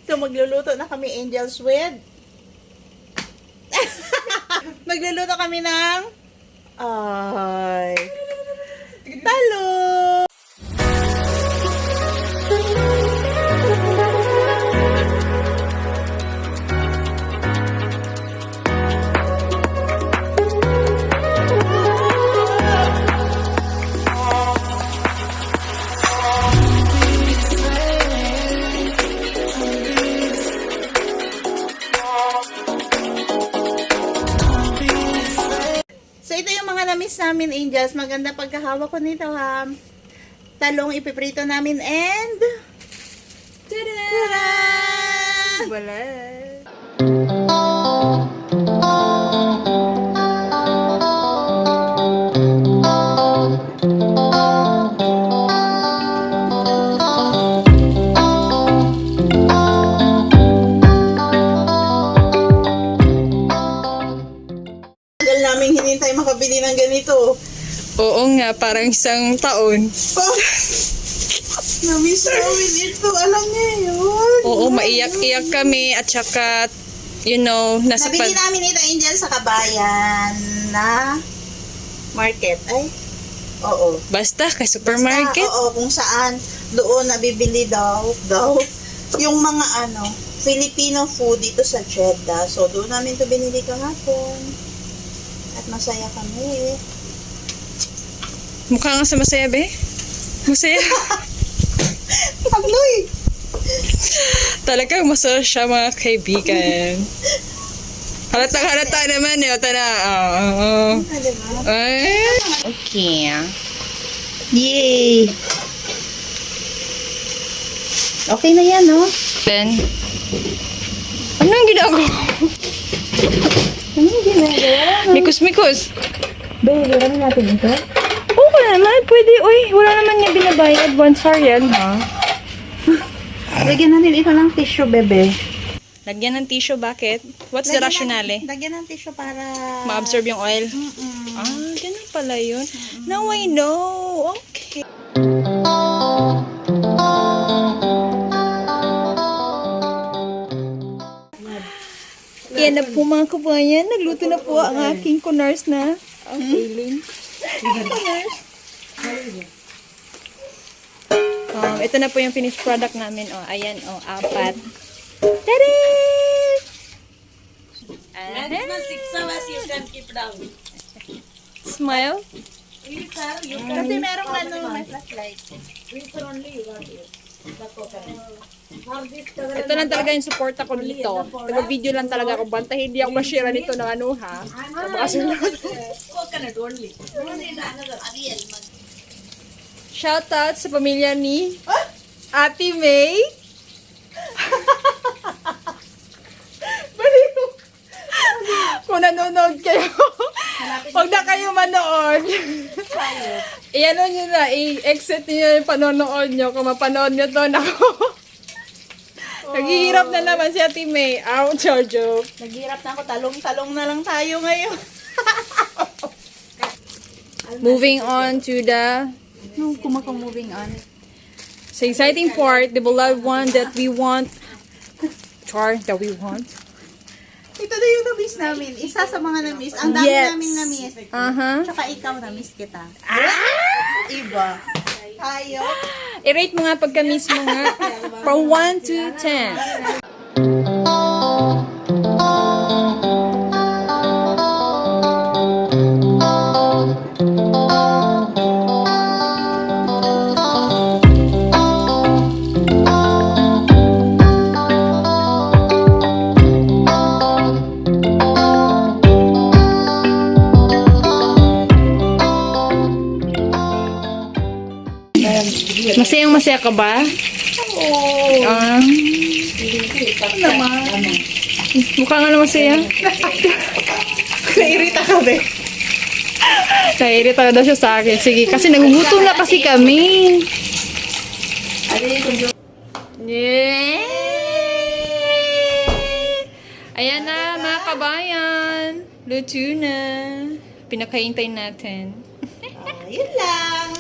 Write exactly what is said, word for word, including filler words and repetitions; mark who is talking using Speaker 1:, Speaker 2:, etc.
Speaker 1: So, magluluto na kami, Angels, with... magluluto kami ng... Ay... Talong! So, ito yung mga na-miss namin, Angels. Maganda pagkahawak ko nito, ha. Talong ipiprito namin and... Tada! Tada! Wala. Namin hinintay makabili ng ganito.
Speaker 2: Oo nga, parang isang taon.
Speaker 1: Oh, na-miss namin ito. Alam niya yun.
Speaker 2: Oo, maiyak-iyak kami at saka, you know, nasa
Speaker 1: Nabili
Speaker 2: pa-
Speaker 1: namin ito, Angel, sa Kabayan na market. Ay, oo.
Speaker 2: Basta, kay supermarket.
Speaker 1: Basta, oo, kung saan doon nabibili daw, daw, yung mga ano, Filipino food dito sa Jeddah. So, doon namin ito binili kahapon. At masaya kami.
Speaker 2: Mukha nga sa masaya, be. Masaya.
Speaker 1: Pagloy!
Speaker 2: Talagang masaya siya, mga kaibigan. Halata halata naman eh. Ota na. Oo. Oh,
Speaker 1: Ah, diba?
Speaker 2: Ay. Okay.
Speaker 1: Yay! Okay na yan, no?
Speaker 2: Then, ano yung ginagawa?
Speaker 1: Ano yung ginagawa?
Speaker 2: Mikos-mikos.
Speaker 1: Baby, kami natin ito?
Speaker 2: Oo naman, pwede. Uy, wala naman niya binabayad. Once are yan, ha?
Speaker 1: Lagyan natin ito ng tissue, bebe.
Speaker 2: Lagyan ng tissue, bakit? What's the
Speaker 1: Lagyan
Speaker 2: rationale?
Speaker 1: ng- Lagyan ng tissue para...
Speaker 2: Ma-absorb yung oil?
Speaker 1: Mm-mm.
Speaker 2: Ah, ganun pala yun. Now I know. Okay. Yan na po mga kabayan. Nagluto na po ang aking kunars na. Ang feeling. Um, ito na po yung finished product namin. Oh, ayan, oh, apat. Tada! Smile.
Speaker 1: Kasi merong ano, may flashlight.
Speaker 2: Ito lang talaga yung support ako dito. Taga-video lang talaga ako. Banta hindi ako ma-share nito ng ano ha. Shoutout sa pamilya ni Ate May. Kung nanonood kayo, huwag na kayo manood. I-ano nyo na, i-exit nyo yung panonood nyo. Kung mapanood nyo to, nako. Naghihirap na naman si Ate May. Ouch, joke.
Speaker 1: Naghirap na ako, talong-talong na lang tayo ngayon.
Speaker 2: Moving on to the
Speaker 1: Nung kumakang moving on.
Speaker 2: sa exciting part, the beloved one that we want. Char, that we want.
Speaker 1: Ito na yung na-miss namin. Isa sa mga na-miss. Ang dami
Speaker 2: Yes.
Speaker 1: namin na-miss.
Speaker 2: Uh-huh.
Speaker 1: Tsaka ikaw na-miss kita. Iba. Tayo.
Speaker 2: I-rate mo nga pagka-miss mo nga. From one to ten. Masayang masaya ka ba?
Speaker 1: Oo.
Speaker 2: Ah,
Speaker 1: Naman.
Speaker 2: mukha nga na masaya.
Speaker 1: Nairita ka, be.
Speaker 2: Naiirita na daw siya sa akin. Sige, kasi nagugutom na kasi kami. Yay! Ayan na, mga kabayan. Luto na. Pinakahintay natin.
Speaker 1: Ah, yun lang.